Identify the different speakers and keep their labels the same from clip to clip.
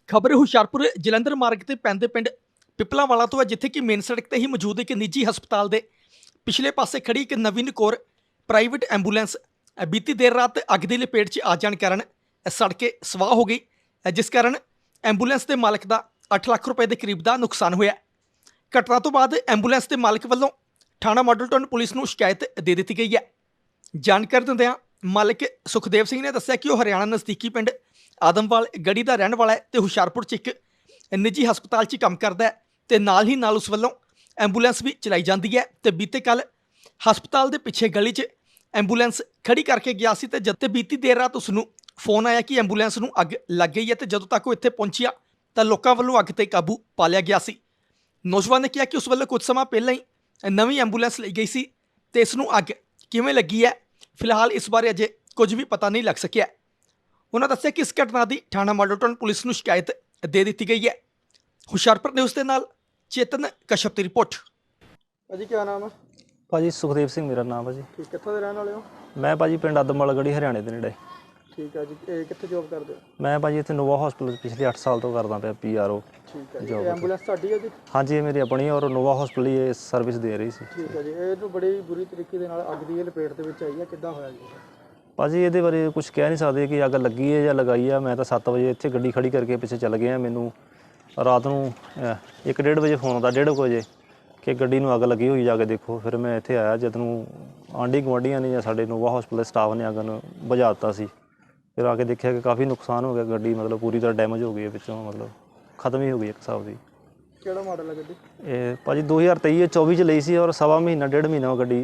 Speaker 1: ਖਬਰ ਹੁਸ਼ਿਆਰਪੁਰ ਜਲੰਧਰ ਮਾਰਗ ਤੇ ਪੈਂਦੇ ਪਿੰਡ ਪਿਪਲਾਵਾਲਾ ਤੋਂ ਹੈ, ਜਿੱਥੇ ਕਿ ਮੇਨ ਸੜਕ ਤੇ ਹੀ ਮੌਜੂਦ ਇੱਕ ਨਿੱਜੀ ਹਸਪਤਾਲ ਦੇ ਪਿਛਲੇ ਪਾਸੇ ਖੜੀ ਇੱਕ ਨਵੀਨ ਕੌਰ ਪ੍ਰਾਈਵੇਟ ਐਂਬੂਲੈਂਸ ਬੀਤੀ ਦੇਰ ਰਾਤ ਅੱਗ ਦੀ ਲਪੇਟ 'ਚ ਆ ਜਾਣ ਕਾਰਨ ਸੜ ਕੇ ਸਵਾਹ ਹੋ ਗਈ, ਜਿਸ ਕਾਰਨ ਐਂਬੂਲੈਂਸ ਦੇ ਮਾਲਕ ਦਾ 8 ਲੱਖ ਰੁਪਏ ਦੇ ਕਰੀਬ ਦਾ ਨੁਕਸਾਨ ਹੋਇਆ। ਘਟਨਾ ਤੋਂ ਬਾਅਦ ਐਂਬੂਲੈਂਸ ਦੇ ਮਾਲਕ ਵੱਲੋਂ ਥਾਣਾ ਮਾਡਲ ਟਾਊਨ ਪੁਲਿਸ ਨੂੰ ਸ਼ਿਕਾਇਤ ਦੇ ਦਿੱਤੀ ਗਈ ਹੈ। ਜਾਣਕਾਰੀ ਦਿੰਦਿਆਂ ਮਾਲਕ ਸੁਖਦੇਵ ਸਿੰਘ ਨੇ ਦੱਸਿਆ ਕਿ ਉਹ ਹਰਿਆਣਾ ਨਜ਼ਦੀਕੀ ਪਿੰਡ ਆਦਮਵਾਲ ਗੜੀ ਦਾ ਰਹਿਣ ਵਾਲਾ ਹੈ ਤੇ ਹੁਸ਼ਿਆਰਪੁਰ 'ਚ ਇੱਕ ਨਿੱਜੀ ਹਸਪਤਾਲ 'ਚ ਕੰਮ ਕਰਦਾ ਹੈ ਤੇ ਨਾਲ ਹੀ ਨਾਲ ਉਸ ਵੱਲੋਂ ਐਂਬੂਲੈਂਸ ਵੀ ਚਲਾਈ ਜਾਂਦੀ ਹੈ। ਤੇ ਬੀਤੇ ਕੱਲ੍ਹ ਹਸਪਤਾਲ ਦੇ ਪਿੱਛੇ ਗਲੀ 'ਚ ਐਂਬੂਲੈਂਸ ਖੜੀ ਕਰਕੇ ਗਿਆ ਸੀ ਤੇ ਜਦ ਤੇ ਬੀਤੀ ਦੇਰ ਰਾਤ ਉਸ ਨੂੰ ਫੋਨ ਆਇਆ ਕਿ ਐਂਬੂਲੈਂਸ ਨੂੰ ਅੱਗ ਲੱਗ ਗਈ ਹੈ ਤੇ ਜਦੋਂ ਤੱਕ ਉਹ ਇੱਥੇ ਪਹੁੰਚਿਆ ਤਾਂ ਲੋਕਾਂ ਵੱਲੋਂ ਅੱਗ ਤੇ ਕਾਬੂ ਪਾ ਲਿਆ ਗਿਆ ਸੀ। ਨੌਜਵਾਨ ਨੇ ਕਿਹਾ ਕਿ ਉਸ ਵੱਲੋਂ ਕੁਝ ਸਮਾਂ ਪਹਿਲਾਂ ਹੀ ਨਵੀਂ ਐਂਬੂਲੈਂਸ ਲਈ ਗਈ ਸੀ ਤੇ ਇਸ ਨੂੰ ਅੱਗ ਕਿਵੇਂ ਲੱਗੀ ਹੈ, ਫਿਲਹਾਲ ਇਸ ਬਾਰੇ ਅਜੇ ਕੁਝ ਵੀ ਪਤਾ ਨਹੀਂ ਲੱਗ ਸਕਿਆ। ਉਹਨਾਂ ਦੱਸਿਆ ਕਿ ਇਸ ਘਟਨਾ ਦੀ ਥਾਣਾ ਮਾਡਲ ਟਾਊਨ ਪੁਲਿਸ ਨੂੰ ਸ਼ਿਕਾਇਤ ਦੇ ਦਿੱਤੀ ਗਈ ਹੈ। ਹੁਸ਼ਿਆਰਪੁਰ ਨਿਊਜ਼ ਦੇ ਨਾਲ ਚੇਤਨ ਕਸ਼ਪ ਦੀ ਰਿਪੋਰਟ।
Speaker 2: ਭਾਜੀ ਕੀ ਨਾਮ ਹੈ?
Speaker 3: ਭਾਜੀ ਸੁਖਦੇਵ ਸਿੰਘ ਮੇਰਾ ਨਾਮ ਹੈ ਜੀ।
Speaker 2: ਠੀਕ, ਕਿੱਥੋਂ ਦੇ ਰਹਿਣ ਵਾਲੇ ਹੋ?
Speaker 3: ਮੈਂ ਭਾਜੀ ਪਿੰਡ ਆਦਮਵਾਲ ਗੜੀ ਹਰਿਆਣੇ ਦੇ ਨੇੜੇ।
Speaker 2: ਠੀਕ ਹੈ ਜੀ, ਇਹ ਕਿੱਥੇ ਜੋਬ ਕਰਦੇ ਹੋ?
Speaker 3: ਮੈਂ ਭਾਜੀ ਇੱਥੇ ਨੋਵਾ ਹਸਪੀਟਲ ਪਿਛਲੇ 8 ਸਾਲ ਤੋਂ ਕਰਦਾ ਪਿਆ PRO।
Speaker 2: ਠੀਕ ਹੈ ਜੀ, ਇਹ ਐਂਬੂਲੈਂਸ ਤੁਹਾਡੀ ਹੈ ਜੀ?
Speaker 3: ਹਾਂਜੀ, ਇਹ ਮੇਰੀ ਆਪਣੀ ਔਰ ਨੋਵਾ ਹਸਪੀਟਲ ਹੀ ਇਹ ਸਰਵਿਸ ਦੇ ਰਹੀ ਸੀ।
Speaker 2: ਠੀਕ ਹੈ ਜੀ, ਇਹਨੂੰ ਬੜੀ ਬੁਰੀ ਤਰੀਕੇ ਦੇ ਨਾਲ ਅੱਗ ਦੀ ਲਪੇਟ ਦੇ ਵਿੱਚ ਆਈ ਹੈ, ਕਿੱਦਾਂ ਹੋਇਆ ਜੀ?
Speaker 3: ਭਾਜੀ ਇਹਦੇ ਬਾਰੇ ਕੁਝ ਕਹਿ ਨਹੀਂ ਸਕਦੇ ਕਿ ਅੱਗ ਲੱਗੀ ਹੈ ਜਾਂ ਲਗਾਈ ਹੈ। ਮੈਂ ਤਾਂ 7 ਵਜੇ ਇੱਥੇ ਗੱਡੀ ਖੜੀ ਕਰਕੇ ਪਿੱਛੇ ਚੱਲ ਗਿਆ। ਮੈਨੂੰ ਰਾਤ ਨੂੰ 1-1:30 ਵਜੇ ਫੋਨ ਆਉਂਦਾ, 1:30 ਵਜੇ ਕਿ ਗੱਡੀ ਨੂੰ ਅੱਗ ਲੱਗੀ ਹੋਈ, ਜਾ ਕੇ ਦੇਖੋ। ਫਿਰ ਮੈਂ ਇੱਥੇ ਆਇਆ, ਜਦ ਨੂੰ ਆਂਢੀ ਗੁਆਂਢੀਆਂ ਨੇ ਜਾਂ ਸਾਡੇ ਨੋਵਾ ਹਸਪੀਟਲ ਦੇ ਸਟਾਫ ਨੇ ਅੱਗ ਨੂੰ ਬੁਝਾ ਦਿੱਤਾ ਸੀ। ਫਿਰ ਆ ਕੇ ਦੇਖਿਆ ਕਿ ਕਾਫੀ ਨੁਕਸਾਨ ਹੋ ਗਿਆ, ਗੱਡੀ ਮਤਲਬ ਪੂਰੀ ਤਰ੍ਹਾਂ ਡੈਮੇਜ ਹੋ ਗਈ ਹੈ, ਵਿੱਚੋਂ ਮਤਲਬ ਖਤਮ ਹੀ ਹੋ ਗਈ ਇੱਕ ਹਿਸਾਬ ਦੀ।
Speaker 2: ਕਿਹੜਾ ਮਾਡਲ ਹੈ ਗੱਡੀ?
Speaker 3: ਇਹ ਭਾਜੀ 2023-24 ਚ ਲਈ ਸੀ ਔਰ ਸਵਾ ਮਹੀਨਾ 1.5 ਮਹੀਨਾ ਉਹ ਗੱਡੀ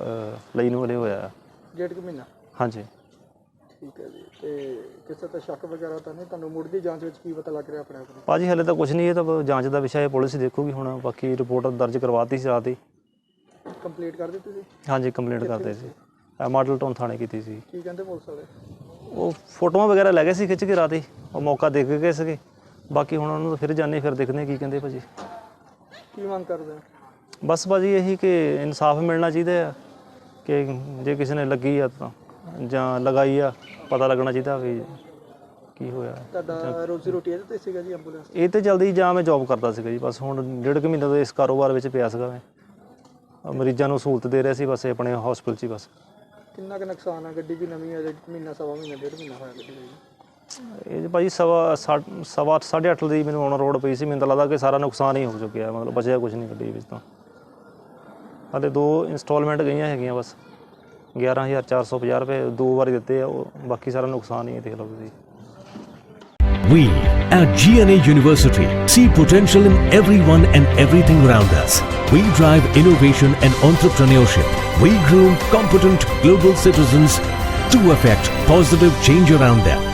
Speaker 3: ਲਈ ਨੂੰ ਹਲੇ ਹੋਇਆ।
Speaker 2: 1.5 ਮਹੀਨਾ?
Speaker 3: ਹਾਂਜੀ।
Speaker 2: ਠੀਕ ਹੈ ਜੀ, ਤੇ ਕਿਸੇ ਤੇ ਸ਼ੱਕ ਵਗੈਰਾ ਤਾਂ ਨਹੀਂ ਤੁਹਾਨੂੰ? ਮੁੱਢਲੀ ਜਾਂਚ ਵਿੱਚ ਕੀ ਪਤਾ ਲੱਗ ਰਿਹਾ ਆਪਣੇ ਆਪ ਨੂੰ?
Speaker 3: ਭਾਜੀ ਹਲੇ ਤਾਂ ਕੁਝ ਨਹੀਂ, ਇਹ ਤਾਂ ਜਾਂਚ ਦਾ ਵਿਸ਼ਾ ਹੈ, ਪੁਲਿਸ ਦੇਖੂਗੀ ਹੁਣ। ਬਾਕੀ ਰਿਪੋਰਟ ਦਰਜ ਕਰਵਾਤੀ ਸੀ ਰਾਤ ਹੀ।
Speaker 2: ਕੰਪਲੀਟ ਕਰ ਦਿੱਤੀ ਸੀ?
Speaker 3: ਹਾਂਜੀ, ਕੰਪਲੇਂਟ ਕਰਦੇ ਸੀ, ਮਾਡਲ ਟਾਊਨ ਥਾਣੇ ਕੀਤੀ ਸੀ।
Speaker 2: ਕੀ ਕਹਿੰਦੇ ਪੁਲਿਸ ਵਾਲੇ?
Speaker 3: ਉਹ ਫੋਟੋਆਂ ਵਗੈਰਾ ਲੈ ਗਏ ਸੀ ਖਿੱਚ ਕੇ ਰਾਤ ਹੀ, ਉਹ ਮੌਕਾ ਦੇਖ ਕੇ ਗਏ ਸੀਗੇ। ਬਾਕੀ ਹੁਣ ਉਹਨੂੰ ਫਿਰ ਜਾਣੇ, ਫਿਰ ਦੇਖਦੇ ਕੀ ਕਹਿੰਦੇ ਭਾਜੀ।
Speaker 2: ਕੀ ਮੰਗ ਕਰਦੇ?
Speaker 3: ਬਸ ਭਾਜੀ ਇਹੀ ਕਿ ਇਨਸਾਫ ਮਿਲਣਾ ਚਾਹੀਦਾ ਆ, ਕਿ ਜੇ ਕਿਸੇ ਨੇ ਲੱਗੀ ਆ ਤਾਂ ਜਾਂ ਲਗਾਈ ਆ, ਪਤਾ ਲੱਗਣਾ ਚਾਹੀਦਾ ਵੀ ਕੀ ਹੋਇਆ।
Speaker 2: ਤੁਹਾਡਾ ਰੋਜ਼ੀ ਰੋਟੀ ਇਹਦੇ ਤੇ ਸੀਗਾ ਜੀ ਐਂਬੂਲੈਂਸ?
Speaker 3: ਇਹ ਤੇ ਜਲਦੀ ਜਾਂ ਮੈਂ ਜੌਬ ਕਰਦਾ ਸੀਗਾ ਜੀ, ਬਸ ਹੁਣ 1.5 ਮਹੀਨੇ ਤੋਂ ਇਸ ਕਾਰੋਬਾਰ ਵਿੱਚ ਪਿਆ ਸੀਗਾ। ਮੈਂ ਮਰੀਜ਼ਾਂ ਨੂੰ ਸਹੂਲਤ ਦੇ ਰਿਹਾ ਸੀ ਬਸ ਆਪਣੇ ਹਸਪਤਾਲ 'ਚ ਹੀ। ਬਸ
Speaker 2: ਕਿੰਨਾ ਕੁ ਨੁਕਸਾਨ ਆ? ਗੱਡੀ ਵੀ ਨਵੀਂ ਹੈ, ਮਹੀਨਾ ਸਵਾ ਮਹੀਨਾ 1.5 ਮਹੀਨਾ ਹੋਇਆ ਗੱਡੀ ਦਾ?
Speaker 3: ਇਹ ਭਾਜੀ ਸਵਾ 8:30 ਦੀ ਮੈਨੂੰ ਆਨ ਰੋਡ ਪਈ ਸੀ। ਮੈਨੂੰ ਤਾਂ ਲੱਗਦਾ ਕਿ ਸਾਰਾ ਨੁਕਸਾਨ ਹੀ ਹੋ ਚੁੱਕਿਆ, ਮਤਲਬ ਬਚਿਆ ਕੁਝ ਨਹੀਂ ਗੱਡੀ ਵਿੱਚ ਤਾਂ। ਹਾਲੇ 2 ਇੰਸਟਾਲਮੈਂਟ ਗਈਆਂ ਹੈਗੀਆਂ ਬਸ, 11,450 ਰੁਪਏ 2 ਵਾਰੀ ਦਿੱਤੇ ਆ, ਉਹ ਬਾਕੀ ਸਾਰਾ ਨੁਕਸਾਨ ਹੀ ਹੈ, ਦੇਖ ਲਓ ਤੁਸੀਂ।
Speaker 4: We at GNA University see potential in everyone and everything around us. We drive innovation and entrepreneurship. We groom competent global citizens to affect positive change around them.